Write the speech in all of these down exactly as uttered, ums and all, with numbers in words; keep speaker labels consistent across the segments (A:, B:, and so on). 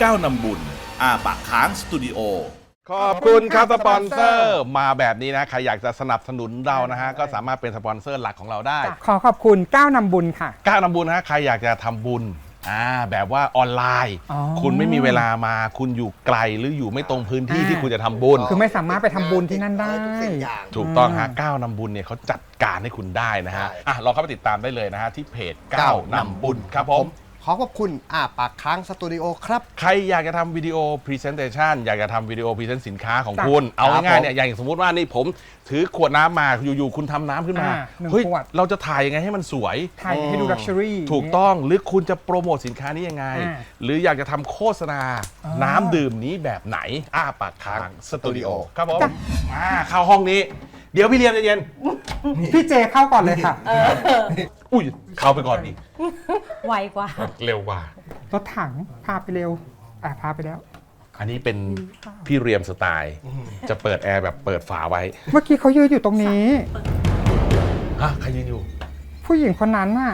A: ก้าวนำบุญอาปากค้างสตูดิโอ
B: ขอบคุณครับสปอนเซอร์มาแบบนี้นะใครอยากจะสนับสนุนเรานะฮะก็สามารถเป็นสปอนเซอร์หลักของเราได้
C: ขอขอบคุณก้าวนำบุญค่ะ
B: ก้าวนำบุญนะใครอยากจะทำบุญอ่าแบบว่าออนไลน์คุณไม่มีเวลามาคุณอยู่ไกลหรืออยู่ไม่ตรงพื้นที่ที่คุณจะทำบุญ
C: คือไม่สามารถไปทำบุญที่นั่นได้
B: ถูกต้องฮะก้าวนำบุญเนี่ยเขาจัดการให้คุณได้นะฮะอ่ะลองเข้าไปติดตามได้เลยนะฮะที่เพจก้าวนำบุญครับผม
D: ขอขอบคุณอาปากค้างสตูดิโอครับ
B: ใครอยากจะทำวิดีโอพรีเซนเตชันอยากจะทำวิดีโอพรีเซนต์สินค้าของคุณเอาง่ายๆเนี่ยอย่างสมมุติว่านี่ผมถือขวดน้ำมาอยู่ๆคุณทำน้ำขึ้นมาเฮ้ยเราจะถ่ายยังไงให้มันสวย
C: ถ่ายให้ดูลักชัวรี่
B: ถูกต้องหรือคุณจะโปรโมทสินค้านี้ยังไงหรืออยากจะทำโฆษณาน้ำดื่มนี้แบบไหนอ้าปากค้างสตูดิโอครับผมมาเข้าห้องนี้เดี๋ยวพี่เรียนเย็น
C: พี่เจเข้าก่อนเลยค่ะ
B: อุ้ยเข้าไปก่อนดิ
E: ไวกว่า
B: เร็วกว่
C: ารถถังพาไปเร็วอ่ะพาไปแล้ว
B: อันนี้เป็นพี่เรียมสไตล์จะเปิดแอร์แบบเปิดฝาไว้
C: เมื่อกี้เขายืนอยู่ตรงนี้
B: ฮะใครยืนอยู่
C: ผู้หญิงคนนั้นน่ะ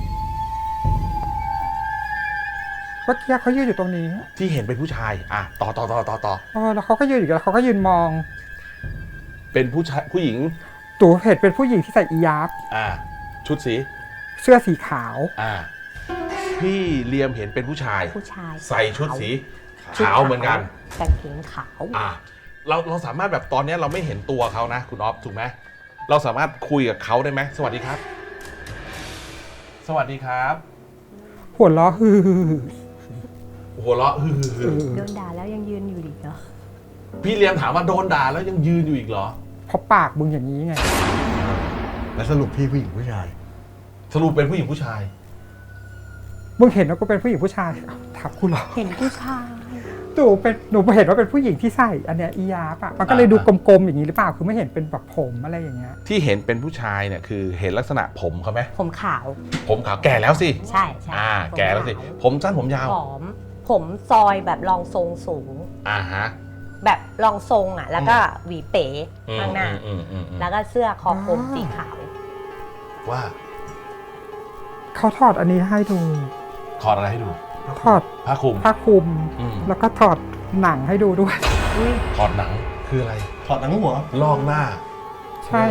C: เมื่อกี้เขายืนอยู่ตรงนี้
B: ที่เห็นเป็นผู้ชายอ่ะต่อต่อต่อต่อต่อ
C: เออแล้วเขาก็ยืนอยู่แล้วเขาก็ยืนมอง
B: เป็นผู้ชายผู้หญิง
C: ตู่เห็นเป็นผู้หญิงที่ใส่อียาบ
B: อ่าชุดสี
C: เสื้อสีขาว
B: อ่าพี่เลียมเห็นเป็นผู้ชาย
E: ผู้ชาย
B: ใส่ชุดสีขาวเหมือนกัน
E: กางเกงขาว
B: อ่าเราเราสามารถแบบตอนนี้เราไม่เห็นตัวเขานะคุณอ๊อฟถูกไหมเราสามารถคุยกับเขาได้ไหมสวัสดีครับสวัสดีครับ
C: หัวเราะฮือ
B: หัวเราะฮือ
E: โดนด่าแล้วยังยืนอยู่อีกเหรอ
B: พี่เลียมถามว่าโดนด่าแล้วยังยืนอยู่อีกเหรอ
C: เพราะปากมึงอย่างนี้ไง
D: แล้วสรุปพี่ผู้หญิงผู้ชาย
B: สรุปเป็นผู้หญิงผู้ชาย
C: มึงเห็นว่ากูเป็นผู้หญิงผู้ชายถามกูเหรอ
E: เห็นผู้ชาย
C: ตู่เป็นหนูเห็นว่าเป็นผู้หญิงที่ใส่อันเนี้ยอียาปะมันก็เลยดูกลมๆอย่างนี้หรือเปล่าคือไม่เห็นเป็นแบบผมอะไรอย่างเงี้ย
B: ที่เห็นเป็นผู้ชายเนี่ยคือเห็นลักษณะผมเขาไหม
E: ผมขาว
B: ผมขาวแก่แล้วสิ
E: ใช่ใช่
B: อ่าแก่แล้วสิผมสั้นผมยาว
E: ผอมผมซอยแบบรองทรงสูง
B: อ่าฮะ
E: แบบรองทรงอ่ะแล้วก็หวีเป๋ข้างหน้าแล้วก็เสื้อคอกลมสีขาว
B: ว่า
C: เขาถอดอันนี้ให้ดู
B: ถอดอะไรให้ดู
C: ถอด
B: ผ้าคลุม
C: ผ้าคลุมแล้วก็ถอดหนังให้ดูด้วย
B: ถอดหนังคืออะไร
D: ถอดหนังหัว
B: ลอกหน้า
C: ใช่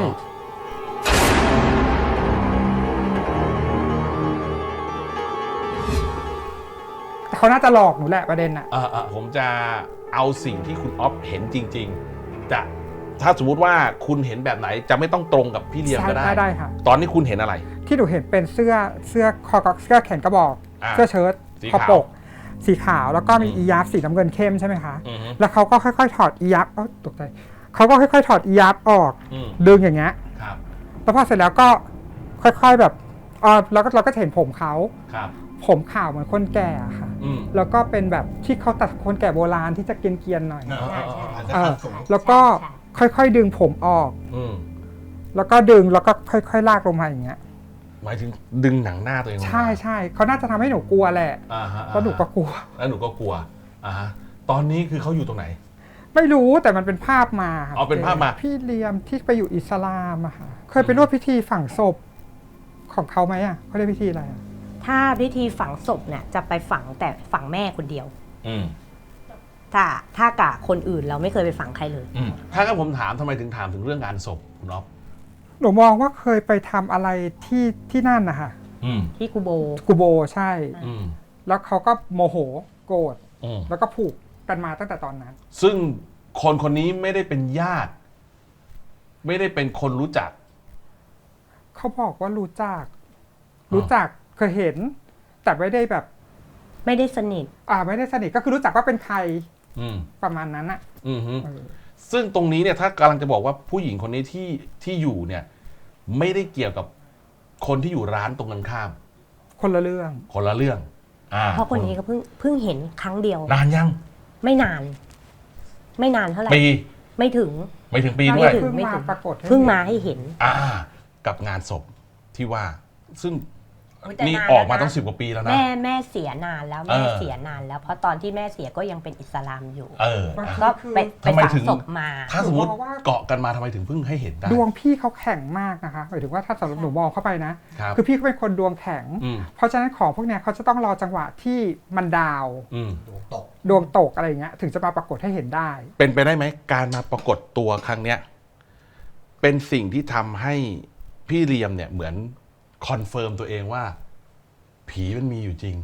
C: เขาน่าจะหลอกหนูแหละประเด็นอ่ะ
B: อ่าผมจะเอาสิ่งที่คุณอ๊อฟเห็นจริงๆแต่ถ้าสมมุติว่าคุณเห็นแบบไหนจะไม่ต้องตรงกับพี่เลียมก็ได้
C: ได้ค่ะ
B: ตอนนี้คุณเห็นอะไร
C: ที่หนูเห็นเป็นเสื้อเสื้อคอกเสื้อแขนกระบอกเสื้อเชิ้ตคอปกสีขาวแล้วก็มีอียาฟสีน้ำเงินเข้มใช่ไหมคะแล้วเขาก็ค่อยๆถอดอียาฟอ๋อตกใจเขาก็ค่อยๆถอดอียาฟออกดึงอย่างเงี้ยแล้วพอเสร็จแล้วก็ค่อยๆแบบอ๋อแล้วก็เราก็เห็นผมเขาผมขาวเหมือนคนแก่ค่ะแล้วก็เป็นแบบที่เขาตัดคนแก่โบราณที่จะเกรียนๆหน่อยแล้วก็ค่อยๆดึงผมออกแล้วก็ดึงแล้วก็ค่อยๆลากลงมาอย่างเงี้ย
B: หมายถึงดึงหนังหน้าตัวเอง
C: ใช่ใช่เขาน่าจะทำให้หนูกลัวแหละเพราะหนูก็กลัว
B: แล้วหนูก็กลัวอ่าฮะตอนนี้คือเขาอยู่ตรงไหน
C: ไม่รู้แต่มันเป็นภาพมา
B: เอาเป็นภาพมา
C: พี่เลียมที่ไปอยู่อิสลามอะค่ะเคยไปร่วมพิธีฝังศพของเขาไหมอะเขาเรียกพิธีอะไรอะ
E: ถ้าพิธีฝังศพเนี่ยจะไปฝังแต่ฝังแม่คนเดียว
B: อืม
E: ถ้าถ้ากะคนอื่นเราไม่เคยไปฝังใครเลย
B: ถ้าก็ผมถามทำไมถึงถามถึงเรื่องงานศพคุณอ๊อฟ
C: หนูมองว่าเคยไปทำอะไรที่ที่นั่นนะคะ
E: ที่กูโบ
C: กูโบใช่แล้วเขาก็โมโหโกรธแล้วก็ผูกกันมาตั้งแต่ตอนนั้น
B: ซึ่งคนคนนี้ไม่ได้เป็นญาติไม่ได้เป็นคนรู้จัก
C: เขาบอกว่ารู้จักรู้จักเคยเห็นแต่ไม่ได้แบบ
E: ไม่ได้สนิท
C: อ่าไม่ได้สนิทก็คือรู้จักว่าเป็นใครประมาณนั้นอ่ะ
B: ซึ่งตรงนี้เนี่ยถ้ากำลังจะบอกว่าผู้หญิงคนนี้ที่ที่อยู่เนี่ยไม่ได้เกี่ยวกับคนที่อยู่ร้านตรงกันข้าม
C: คนละเรื่อง
B: คนละเรื่อง
E: เพราะคนนี้ก็เพิ่งเพิ่งเห็นครั้งเดียวน
B: านยัง
E: ไม่นานไม่นานเท่าไหร่
B: ปี
E: ไม่ถึง
B: ไม่ถึงปีด้วย
C: เพิ่งมาปรากฏ
E: เพิ่งมาให้เห็น
B: อ่ากับงานศพที่ว่าซึ่ง
E: โอ้ยแต่
B: นี่
E: นาน
B: ออกมา
E: แล้วนะ
B: ต้องสิบกว่าปีแล้วนะ
E: แม่แม่เสียนานแล้ว
B: เอ
E: แม่
B: อ
E: เสียนานแล้ว เพราะตอนที่แม่เสียก็ยังเป็นอิสลามอยู่
B: เออ
E: ก็ไปไป
B: ทำไม
E: ฝัง
B: ถึง
E: ศพมา
B: ถ้าสมมติ
C: หนูบอกว่า
B: เกาะกันมาทำไมถึงเพิ่งให้เห็นได้
C: ดวงพี่เขาแข็งมากนะคะหมายถึงว่าถ้าสำหรับหนูมองเข้าไปนะ
B: ครับ
C: คือพี่เขาเป็นคนดวงแข็ง
B: อืม
C: เพราะฉะนั้นของพวกเนี้ยเขาจะต้องรอจังหวะที่มันดาว
B: อืม
D: ตก
C: ดวงตกอะไรอย่างเงี้ยถึงจะมาปรากฏให้เห็นได้
B: เป็นไปได้ไหมการมาปรากฏตัวครั้งเนี้ยเป็นสิ่งที่ทำให้พี่เรียมเนี่ยเหมือนคอนเฟิร์มตัวเองว่า ผีมันมีอยู่จริง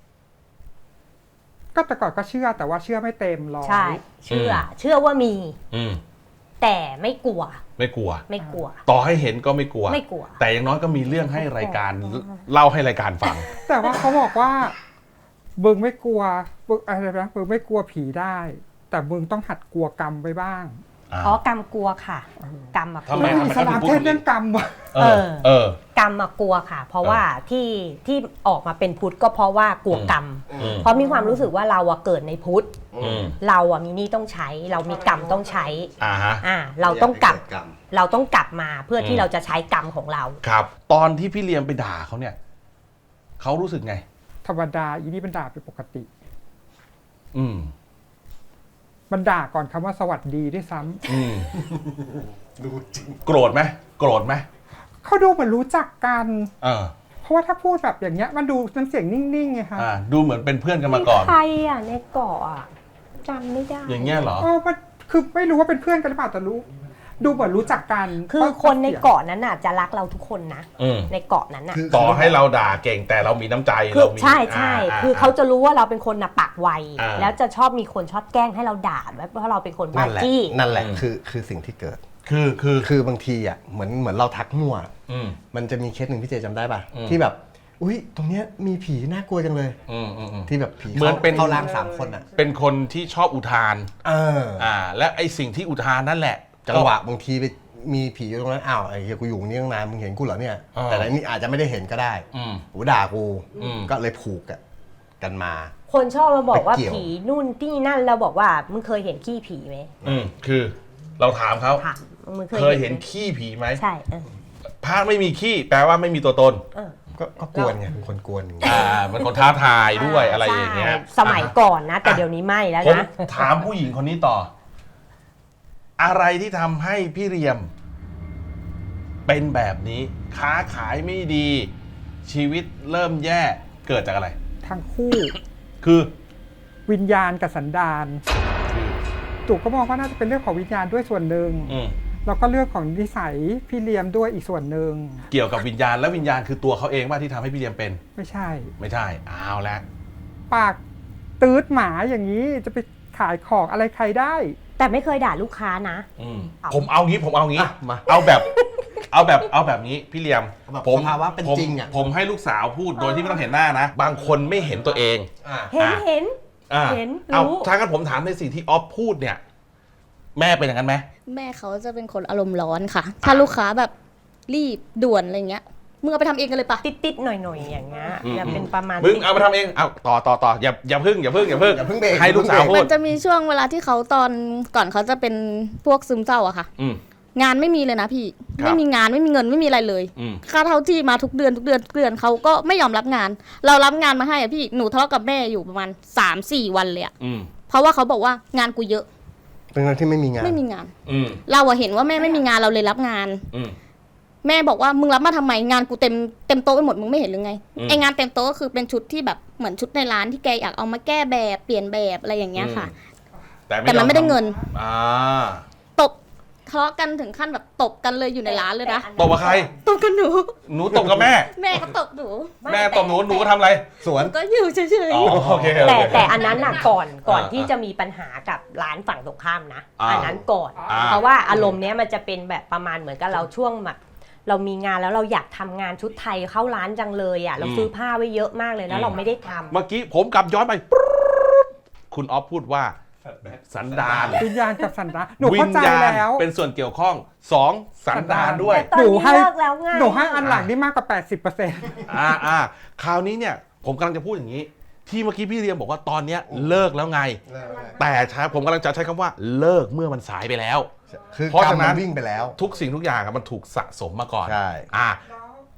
C: ก็แต่ก่อนก็เชื่อแต่ว่าเชื่อไม่เต็มร้อย
E: ใช่ เชื่อ
B: อืม
E: เชื่อว่ามี
B: อืม
E: แต่ไม่กลัว
B: ไม่กลัว
E: ไม่กลัว
B: ต่อให้เห็นก็ไม่กลัว
E: ไม่กลัว
B: แต่อย่างน้อยก็มีเรื่องให้รายการเล่าให้รายการฟัง
C: แต่ว่าเขาบอกว่ามึงไม่กลัวมึงอะไรนะมึงไม่กลัวผีได้ แต่มึงต้องหัดกลัวกรรมไปบ้าง
E: อ๋อกรรมกลัวค่ะ กรรมอะ
B: ทำไม
E: กลัว
C: อิสลามเทศเรื่องกรรมวะ
B: เออ เออ
E: กรรมอะกลัวค่ะ เพราะว่าที่ที่ออกมาเป็นพุทธก็เพราะว่ากลัวกรรม
B: อืม
E: เพราะมีความรู้สึกว่าเราอะเกิดในพุทธ
B: อืม
E: เราอะมีหนี้ต้องใช้ เรามีกรรมต้องใช้
B: อ่าฮะ
E: อ่า เราต้องกลับ
D: กรรม
E: เราต้องกลับมาเพื่อ
B: อื
E: ที่
B: ม
E: เราจะใช้กรรมของเรา
B: ครับ ตอนที่พี่เลียมไปด่าเขาเนี่ยเขารู้สึกไง
C: ธรรมดาอีนี่มันด่าเป็นปกติ
B: อืม
C: มันด่าก่อนคำว่าสวัสดีด้วยซ้ำ
B: อืม
D: ดูจริง
B: โกรธไหมโกรธไหม
C: เขาดูเหมือนรู้จักกัน
B: เออ
C: เพราะว่าถ้าพูดแบบอย่างเงี้ยมันดูน้ำเสียงนิ่งๆไงคะ
B: อ่า ดูเหมือนเป็นเพื่อนกันมาก่อน
E: ใครอ่ะในเกาะอ่ะจำไม่ได้
B: อย่างเงี้ยเหรอ
C: เออมันคือไม่รู้ว่าเป็นเพื่อนกันหรือเปล่าแต่รู้ ดูเหมือนรู้จักกัน
E: คือคนในเกาะนั้นน่ะจะรักเราทุกคนนะ
B: อืม
E: ในเกาะนั้นน่ะ
D: คือ
B: ต่อให้เราด่าเก่งแต่เรามีน้ำใจ
E: คือ
B: เรามี
E: ใช่ใช่
B: า
E: คือเขาจะรู้ว่าเราเป็นคนน่ะปากไว
B: อ่า
E: แล้วจะชอบมีคนชอบแกล้งให้เราด่าแบบเพราะเราเป็นคนบ้า
D: นั่นแหละ
E: จี้
D: นั่นแหละ
B: อืม
D: คือคือสิ่งที่เกิด
B: คือคือ
D: คือบางทีอ่ะเหมือนเหมือนเราทักมั่ว
B: อืม
D: มันจะมีเคสหนึ่งพี่เจจำได้ป่ะ
B: อืม
D: ที่แบบ อุ้ยตรงเนี้ยมีผีน่ากลัวจังเลย
B: อืมอืมอืม
D: ที่แบบผี
B: เหมือนเป็น
D: เข้าร่างสามคนอ่ะ
B: เป็นคนที่ชอบอุทาน
D: เออ
B: อ่า และไอสิ่งที่อุทานนั่นแหละ
D: จังหวะบางทีไปมีผีอยู่ตรงนั้นอ้าวไอ้เหี้ยกูอยู่ตรงนี้ตั้งนานมึงเห็นกูเหรอเนี่ย
B: อ่า
D: แต่อันนี้อาจจะไม่ได้เห็นก็ได้
B: อืม
D: หูด่ากู
B: อืม
D: ก็เลยผูกอะกันมา
E: คนชอบมาบอกว่า
D: ไปเกี่ยว
E: ผีนู่นที่นั่นเราบอกว่ามึงเคยเห็นขี้ผีไหม
B: อืมคือเราถามเขา
E: ค่ะมึงเคย
B: เคยเห็น
E: ไหม
B: ขี้ผีไหม
E: ใช่เออ
B: พระไม่มีขี้แปลว่าไม่มีตัวตน
E: เออ
D: ก็ก็กวนไงเป็นคนกวนอย่างเงี้ย
B: อ่ามันคนท้าทายด้วยอะไรอย่างเงี้ย
E: ใช่สมัยก่อนนะ แต่เดี๋ยวนี้ไม่แล้ว
B: ผม
E: นะ
B: ถามผู้หญิงคนนี้ต่อ อะไรที่ทำให้พี่เรียม เป็นแบบนี้ ค้าขายไม่ดี ชีวิตเริ่มแย่เกิดจากอะไร
C: ทั้งคู่
B: คือ
C: วิญญาณกับสันดานตู่ก็มองว่าน่าจะเป็นเรื่องของวิญญาณด้วยส่วนหนึ่ง
B: อืม
C: แล้วก็เรื่องของนิสัยพี่เลียมด้วยอีกส่วนหนึ่ง
B: เกี่ยวกับวิญญาณและวิญญาณคือตัวเขาเองว่าที่ทำให้พี่เรียมเป็น
C: ไม่ใช่
B: ไม่ใช่เอาละ
C: ปากตืดหมาอย่างนี้จะไปขายของอะไรใครได้
E: แต่ไม่เคยด่าลูกค้านะ
B: อืม
E: เอา
B: ผมเอางี้ผมเอางี้
D: อ่ะมา
B: เอาแบบ เอาแบบเอาแบบนี้พี่เลียม
D: แบบ
B: ผม
D: สภาวะเป็น
B: ผม
D: จริงอะ
B: ผมให้ลูกสาวพูดโดยที่ไม่ต้องเห็นหน้านะ บางคนไม่เห็นตัวเอง
D: อ่ะ
E: เห็น
B: อ่ะ
E: เห็น
B: อ่า
E: เห็น
B: เอา
E: รู้
B: ถ้างั้นผมถามในสิ่งที่ออฟพูดเนี่ย แม่เป็นอย่างนั้นไหม
F: แม่เขาจะเป็นคนอารมณ์ร้อนค่ะ ถ้าลูกค้าแบบรีบด่วนอะไรเงี้ย มึงเอาไปทำเองกันเลยปะ
E: ติดติดๆหน่อยหน่อยๆอย่างเงี้ย
B: อืม
E: จะเป็นประมาณ
B: มึงเอามาทำเองเอาต่อต่อต่ออย่าอย่าพึ่งอย่าพึ่งอย่าพึ่ง
D: อย่าเพิ่งเบรก
B: ให้ลูกสาวพู
F: มั
B: ด
F: นจะมีช่วงเวลาที่เขาตอนก่อนเขาจะเป็นพวกซึมเศร้าอะค่ะ
B: อืม
F: งานไม่มีเลยนะพี่
B: ครับ
F: ไม่มีงานไม่มีเงินไม่มีอะไรเลย
B: อืม
F: ค่าเท่าที่มาทุกเดือนทุกเดือนทุกเดือนเขาก็ไม่ยอมรับงาน เรารับงานมาให้อะพี่ หนูทะเลาะกับแม่อยู่ประมาณ สามสี่ วันเลยอะ
B: อืม
F: เพราะว่าเขาบอกว่างานกูเยอะ
D: ทั้งๆที่ไม่มีงาน
F: ไม่มีงาน
B: อืม
F: เราอะเห็นว่าแม่ไม่มีงานเราเลยรับงาน
B: อืม
F: แม่บอกว่ามึงรับมาทำไมงานกูเต็มเต็มโต๊ะไปหมดมึงไม่เห็นหรือไง
B: อืม
F: ไองานเต็มโต๊ะก็คือเป็นชุดที่แบบเหมือนชุดในร้านที่แกอยากเอามาแก้แบบเปลี่ยนแบบอะไรอย่างเงี้ยค่ะ แต่มันไม่ได้เงิน
B: อ่า
F: ตบทะเลาะกันถึงขั้นแบบตบกันเลยอยู่ในร้านเลยนะ
B: ตบกับใคร
F: ตบกันหนู
B: หนูตบกับแม่
F: แม่ก็ตบหนู
B: แม่ตบหนูหนูก็ทำอะไร
D: สวน
F: หนูก็อยู่เฉย
B: อ๋อโอเคโอ
E: แต่
B: เค
E: แต่อันนั้นน่ะก่อนก่อน
B: อ่า
E: ที่จะมีปัญหากับร้านฝั่งตรงข้ามนะ
B: อ่า
E: อันนั้นก่อน
B: อ่า
E: เพราะว่าอารมณ์เนี้ยมันจะเป็นแบบประมาณเหมือนกับเราช่วงแบบเรามีงานแล้วเราอยากทำงานชุดไทยเข้าร้านจังเลยอ่ะเราซื้อผ้าไว้เยอะมากเลยแล้วเราไม่ได้ทำ
B: เมื่อกี้ผมกลับย้อนไป คุณออฟพูดว่า สันดาน
C: วิญญาณกับสันดานหนู
B: วิ
C: เข้า
B: ญ
C: ใจ
B: ญาณ
C: แล้ว
B: เป็นส่วนเกี่ยวข้องสองสันดานด้วย
E: ตอน
C: หนู
E: นี้
C: ให้
E: เลิกแล้วไง
C: หนูให้อันหลังนี่มากกว่า แปดสิบเปอร์เซ็นต์
B: อ่าอ่าคราวนี้เนี่ย ผมกำลังจะพูดอย่างนี้ ที่เมื่อกี้พี่เรียมบอกว่าตอนเนี้ยเลิกแล้วไง แต่ใช้ผมกำลังจะใช้คำว่าเลิกเมื่อมันสายไปแล้ว
D: คือ
B: เพราะ
D: กรร
B: ฉะ
D: ม
B: นั้
D: มัน นวิ่งไปแล้ว
B: ทุกสิ่งทุกอย่างอะมันถูกสะสมมาก่อน
D: ใช่
B: อ่า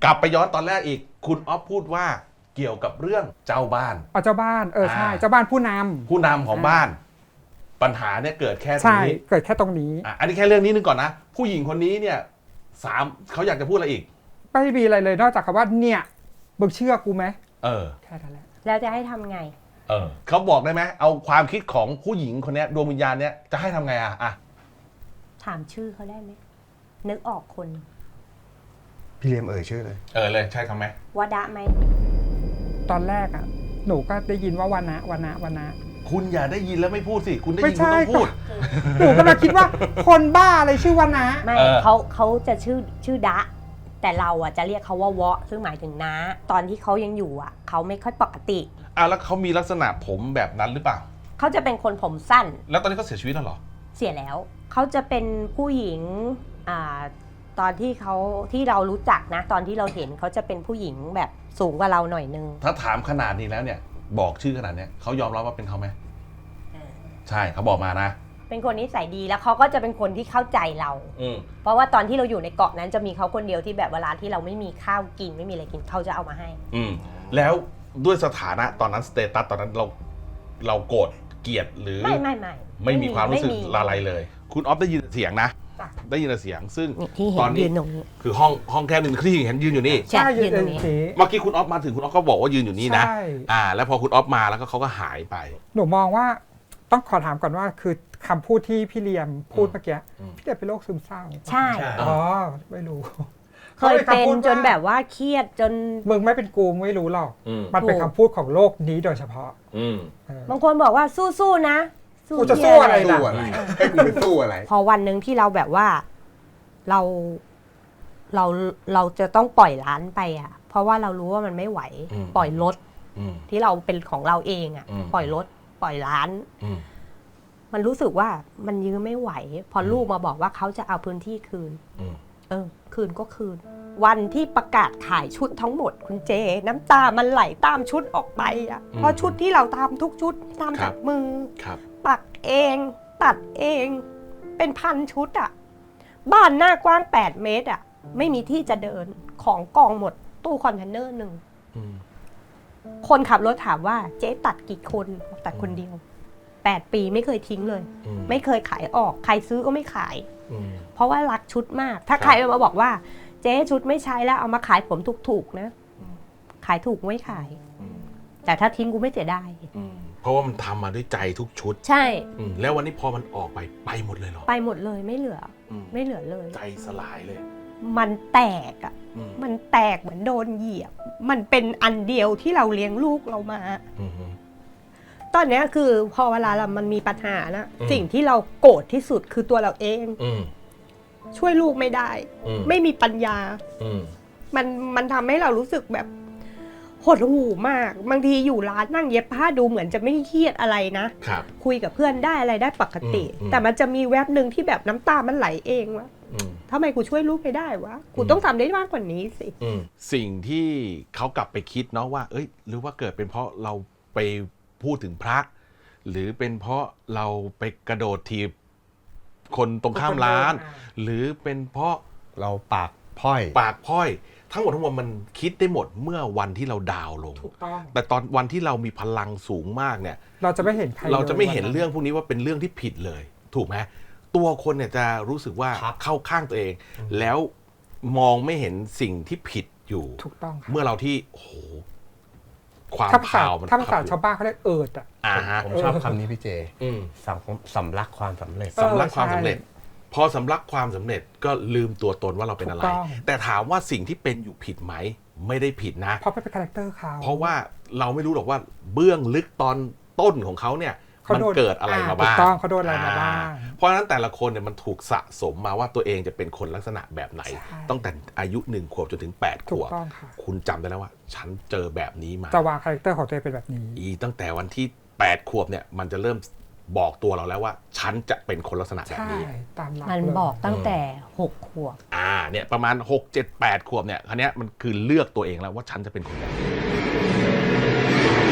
B: กลับไปย้อนตอนแรกอีกคุณอ๊อฟพูดว่าเกี่ยวกับเรื่องเจ้าบ้าน
C: เอาเจ้าบ้านเออใช่
B: อ่า
C: เจ้าบ้านผู้นำ
B: ผู้นำของบ้าน ปัญหาเนี่ยเกิดแค่ตร
C: ใช่
B: งนี้
C: เกิดแค่ตรงนี้
B: อ่ะอันนี้แค่เรื่องนี้นึงก่อนนะ ผู้หญิงคนนี้เนี่ยสามเขาอยากจะพูดอะไรอีก
C: ไม่มีอะไรเลยนอกจากคำว่าเนี่ยมึงเชื่อกูไหม
B: เออ
C: แค่นั้นแหละ
E: แล้วจะให้ทำไง
B: เออเขาบอกได้ไหมเอาความคิดของผู้หญิงคนเนี้ยดวงวิญญาณเนี้ยจะให้ทำไงอ่ะอ่ะ
E: ถามชื่อเขาได้ไหมนึกออกคน
D: พี่เลียมเอ่ยชื่อเลย
B: เออเลยใช่ทำไหม
E: วดะไหม
C: ตอนแรกอ่ะหนูก็ได้ยินว่าวันนะวันนะวันนะ
B: คุณอย่าได้ยินแล้วไม่พูดสิคุณได้
C: ไม่
B: ยินคุณ
C: ใช่
B: ต้องพูด
C: หนูก็เลยคิดว่าคนบ้าอะไรชื่อวันนะ
E: ไม่
B: เออ
E: เขาเขาจะชื่อชื่อดะ แต่เราอ่ะจะเรียกเขาว่าวะซึ่งหมายถึงน้าตอนที่เขายังอยู่อ่ะเขาไม่ค่อยปกติ
B: อ่ะแล้วเขามีลักษณะผมแบบนั้นหรือเปล่า
E: เขาจะเป็นคนผมสั้น
B: แล้วตอนนี้เขาเสียชีวิตแล้วเหรอ
E: เสียแล้ว เขาจะเป็นผู้หญิงอ่าตอนที่เขาที่เรารู้จักนะ ตอนที่เราเห็นเขาจะเป็นผู้หญิงแบบสูงกว่าเราหน่อยนึง
B: ถ้าถามขนาดนี้แล้วเนี่ย บอกชื่อขนาดเนี้ยเขายอมรับว่าเป็นเขาไหมใช่เขาบอกมานะ
E: เป็นคนนิสัยดีแล้วเขาก็จะเป็นคนที่เข้าใจเรา
B: อืม
E: เพราะว่าตอนที่เราอยู่ในเกาะนั้นจะมีเขาคนเดียวที่แบบเวลาที่เราไม่มีข้าวกินไม่มีอะไรกินเขาจะเอามาให้
B: อืมแล้วด้วยสถานะตอนนั้นสเตตัสตอนนั้นเราเราโกรธเกลียดหรือ
E: ไม่ไม่ไม่
B: ไม่มีความรู้สึก
E: ไม่มี
B: อะไรเลย คุณออฟได้ยินเสียงนะ
C: จ้ะ
B: ได้ยินเสียง ซึ่ง
E: นี่ที่เห็
B: ตอน นนี้
E: ยืนตรงนี้
B: คือห้องห้องแคบหนึ่งที่เห็นยืนอยู่นี่
E: ใช่ยืนตรงนี้
C: เจ๊
B: เมื่อกี้คุณออฟมาถึงคุณออฟก็บอกว่ายืนอยู่นี่นะ
C: ใช่
B: อ่า แล้วพอคุณออฟมาแล้วก็เขาก็หายไป
C: หนูมองว่าต้องขอถามก่อนว่าคือคำพูดที่พี่เลียมพูดเมื่อกี้
B: อืม
C: พี่เลียมเป็นโรคซึมเศร้า
E: ใช่
C: อ๋อไม่รู้
E: เคยเป็นจนแบบว่าเครียดจน
C: มึงไม่เป็นกูไม่รู้หรอก
B: อืม
C: มันเป็น
E: ถูก
C: คำพูดของโลกนี้โดยเฉพาะ
B: อืม
C: เออ
E: บางคนบอกว่าสู้ๆนะ
C: กูจะสู้อะไร
D: สู้อะไรให้กูไปสู้อะไร
E: พอวันหนึ่งที่เราแบบว่าเราเราเราจะต้องปล่อยร้านไปอ่ะ เพราะว่าเรารู้ว่ามันไม่ไหว
B: อืม
E: ปล่อยรถ
B: อืม
E: ที่เราเป็นของเราเองอ่ะ
B: อืม
E: ปล่อยรถปล่อยร้าน
B: อืม
E: มันรู้สึกว่ามันยื้อไม่ไหว พอลูกมาบอกว่าเขาจะเอาพื้นที่คืน
B: อืม
E: เออ คืนก็คืน วันที่ประกาศขายชุดทั้งหมดคุณเจ น้ำตามันไหลตามชุดออกไปอ่ะ
B: อืม
E: เพราะชุดที่เราทำทุกชุดทำ
B: ครั
E: จา
B: บ
E: กมือ
B: ครับ
E: ปักเอง ตัดเอง เป็นพันชุดอ่ะ บ้านหน้ากว้างแปดเมตรอ่ะ ไม่มีที่จะเดินของกองหมดตู้คอนเทนเนอร์หนึ่ง
B: อืม
E: คนขับรถถามว่าเจ๊ตัดกี่คนบอกตัดคนเดียวแปดปีไม่เคยทิ้งเลย
B: อืม
E: ไม่เคยขายออก ใครซื้อก็ไม่ขาย
B: อืม
E: เพราะว่ารักชุดมาก ถ้า
B: ครับ
E: ใครมาบอกว่า เจ๊ชุดไม่ใช้แล้วเอามาขายผมถูกๆนะ ขายถูกไม่ขาย
B: อืม
E: แต่ถ้าทิ้งกูไม่เสียดาย
B: อืมเพราะว่ามันทำมาด้วยใจทุกชุด
E: ใช่
B: อืมแล้ววันนี้พอมันออกไปไปหมดเลยเหรอ
E: ไปหมดเลยไม่เหลือ
B: อืม
E: ไม่เหลือเลย
B: ใจสลายเลย
E: มันแตกอ่ะ
B: อืม
E: มันแตกเหมือนโดนเหยียบ มันเป็นอันเดียวที่เราเลี้ยงลูกเรามา
B: อืม
E: ตอนเนี้ยคือพอเวลาเรามันมีปัญหานะ
B: อืม
E: สิ่งที่เราโกรธที่สุดคือตัวเราเอง
B: อืม
E: ช่วยลูกไม่ได้
B: อืม
E: ไม่มีปัญญา
B: อืม
E: มันมันทำให้เรารู้สึกแบบหดหู่มาก บางทีอยู่ร้านนั่งเย็บผ้าดูเหมือนจะไม่เครียดอะไรนะ
B: ครับ
E: คุยกับเพื่อนได้อะไรได้ปกติ
B: อืมอืม
E: แต่มันจะมีแวบหนึ่งที่แบบน้ำตามันไหลเองวะ
B: อืม
E: ทำไมกูช่วยลูกไม่ได้วะกู
B: อืม
E: ต้องทำได้มากกว่านี้สิ
B: อืมสิ่งที่เขากลับไปคิดเนาะว่า เอ้ย หรือว่าเกิดเป็นเพราะเราไปพูดถึงพระ หรือเป็นเพราะเราไปกระโดดทีบคนตรงข้ามร้าน หรือเป็นเพราะ
D: เราปากพ้อย
B: ปากพ้อย ทั้งหมดทั้งมวลมันคิดได้หมดเมื่อวันที่เราดาวน์ลง
C: ถูกต้อง
B: แต่ตอนวันที่เรามีพลังสูงมากเนี่ย
C: เราจะไม่เห็นใคร
B: เราจะไม่เห็น
C: ลยวัน
B: เรื่องพวกนี้ว่าเป็นเรื่องที่ผิดเลย ถูกไหมตัวคนเนี่ยจะรู้สึกว่า
D: ครับ
B: เข้าข้างตัวเอง แล้วมองไม่เห็นสิ่งที่ผิดอยู่
C: ถูกต้องค่ะ
B: เมื่อเราที่โอ้โหความ
C: ถ้าภาษา
B: ข่าวมัน
C: ถ้าภาษา
B: ขับอยู่
C: ชาวบ้านเขาเรียกเอิดอ่ะ
B: อ่าฮะ
D: ผมชอบคำนี้พี่เจ
B: อืม
D: สำสำลักความสำเร็จ
C: เออ
B: สำลักความ
C: ใช่
B: สำเร็จ พอสำลักความสำเร็จก็ลืมตัวตนว่าเราเป็นอะไร
C: ถูกต้อง
B: แต่ถามว่าสิ่งที่เป็นอยู่ผิดไหม ไม่ได้ผิดนะ
C: เพราะเป็นคาแรคเตอร์เขา
B: เพราะว่าเราไม่รู้หรอกว่าเบื้องลึกตอนต้นของเขาเนี่ย
C: เขา
B: มัน
C: โดน
B: เกิดอะไรมาบ้าง
C: ถูกต้องเขาโดนอะไรมาบ้าง
B: อ่เพราะฉะนั้นแต่ละคนเนี่ยมันถูกสะสมมาว่าตัวเองจะเป็นคนลักษณะแบบไหน
C: ใช่
B: ตั้งแต่อายุหนึ่งขวบจนถึงแปดข
C: ถูก
B: วบ
C: ต้องค่ะ
B: คุณจำได้แล้วว่า ฉันเจอแบบนี้มา
C: จะวางคาแรคเตอร์ของตัวเองเป็นแบบนี้
B: อีตั้งแต่วันที่แปดขวบเนี่ยมันจะเริ่มบอกตัวเราแล้วว่า ฉันจะเป็นคนลักษณะแบบ
C: ใช่
B: นี้
C: ตามหลัก
E: มัน
C: เลย
E: บอกตั้งแต่หกขวบ
B: อ่าเนี่ยประมาณหก เจ็ด แปดขวบเนี่ยคันนี้ยมันคือเลือกตัวเองแล้วว่าฉันจะเป็นคนแบบนี้